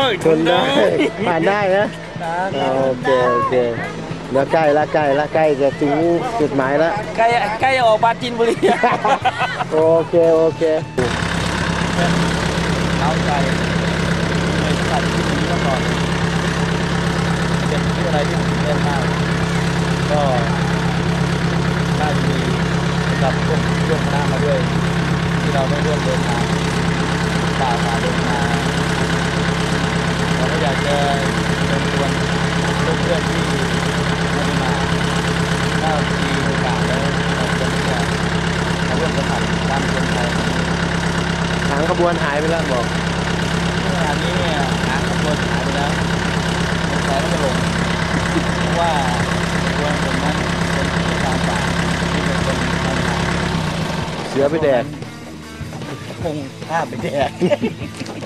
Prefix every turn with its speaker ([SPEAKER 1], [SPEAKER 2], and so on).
[SPEAKER 1] ชนได้ผ่านได้นะโอเคโอเคแล้วใกล้ละใกล้จะถึงจุดหมายแล้ว
[SPEAKER 2] ใกล้ออกปราจีนบุรี
[SPEAKER 1] โอเคโอเค
[SPEAKER 2] เอาใจในสัตว์ที่นี้มาก่อนเป็นที่อะไรที่ผมเล่นมากก็น่าจะมีกับพวกร่วมคณะมาด้วยที่เราได้ร่วมเดินทางฝ่าเดินมาเราก็อยากจะเชิญชวนเพื่อนๆที่ไม่ได้มาถ้ามีโอกาสแล้วเราควรที่จะมาร่วมสัมผัสการเดินทาง
[SPEAKER 1] หางขบวนหายไปแล้วบอก
[SPEAKER 2] ขณะนี้เนี่ยหางขบวนหายไปแล้วแต่ก็จะหลงเพราะว่าขบวนคนนั้นเป็นที่ตามป่าที่เป็นคนทำงาน
[SPEAKER 1] เสือไปแดก
[SPEAKER 2] คงฆ่าไปแดก